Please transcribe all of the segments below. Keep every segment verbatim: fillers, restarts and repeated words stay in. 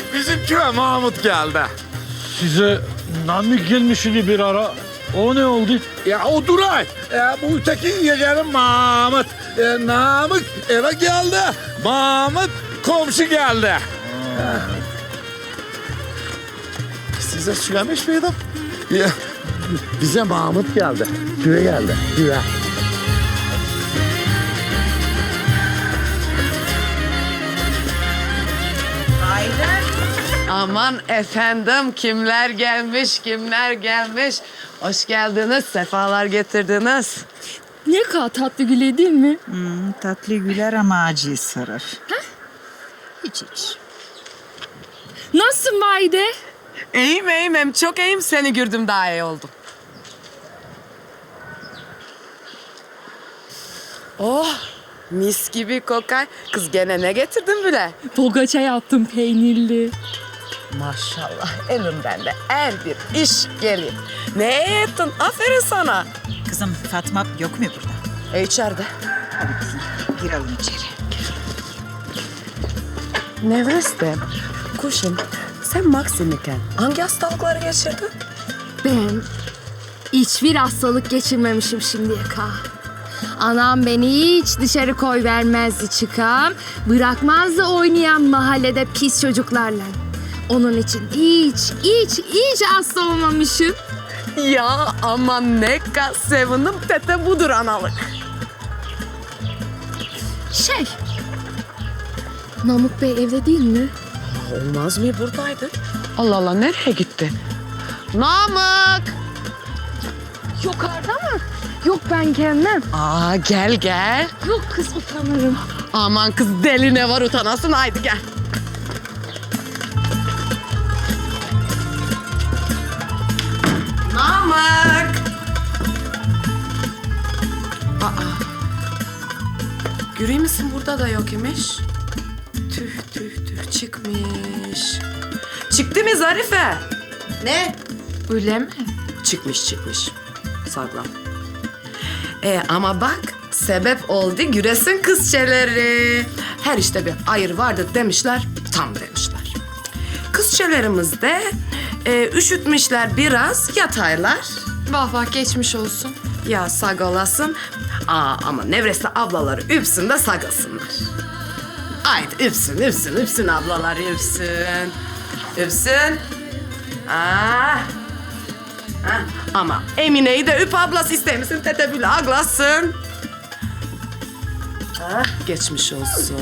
bizim köye Mahmut geldi. Size Namık gelmişti bir ara. O ne oldu? Ya o Duray, ya bu öteki yeğenim Mahmut. E, Namık eve geldi, Mahmut komşu geldi. Size söylemiş miydim? Ya, bize Mahmut geldi, köye geldi, köye. Aman efendim kimler gelmiş kimler gelmiş. Hoş geldiniz, sefalar getirdiniz. Ne kadar tatlı güle değil mi? Hmm, tatlı güler ama acıyı sarır. Hiç hiç. Nasılsın Vahide? İyiyim iyiyim hem çok iyiyim, seni gördüm daha iyi oldum. Oh mis gibi kokar. Kız gene ne getirdin bile? Pogaça yaptım peynirli. Maşallah elimden de her bir iş gelir. Ne ettin? Aferin sana. Kızım Fatma yok mu burada? E içeride. Hadi kızım girelim içeri. Nevreste, kuşum sen Maksim'iken hangi hastalıkları geçirdin? Ben hiçbir hastalık geçirmemişim şimdiye kadar. Anam beni hiç dışarı koy vermezdi çıkam. Bırakmazdı oynayan mahallede pis çocuklarla. Onun için hiç, hiç, hiç hasta olmamışım. Ya aman ne kadar sevindim, tete budur analık. Şey, Namık Bey evde değil mi? Olmaz mı, buradaydı? Allah Allah, nereye gitti? Namık! Yukarıda mı? Yok ben gelmem. Aa gel gel. Yok kız utanırım. Aman kız deli ne var utanasın, haydi gel. Namık! Aa. Görüyor musun, burada da yok imiş. Tüh tüh tüh çıkmış. Çıktı mı Zarife? Ne? Öyle mi? Çıkmış çıkmış. Saklan. E ama bak sebep oldu güresin kızçeleri. Her işte bir hayır vardır demişler, tam demişler. Kızçelerimiz de e, üşütmüşler biraz, yataylar. Vah vah geçmiş olsun. Ya sag olasın. Aa, ama Nevreste ablaları üpsün de sagasınlar. Haydi üpsün, üpsün, üpsün ablalar üpsün. Üpsün. Aa. Ha, ama Emine'yi de üp ablası istemişsin, tete bile aglasın. Ha, geçmiş olsun.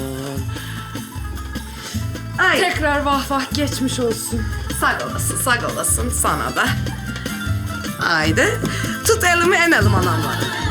Ay, Tekrar vah vah geçmiş olsun. sag olasın, sag olasın sana da. Haydi, tut elimi enelim anamla.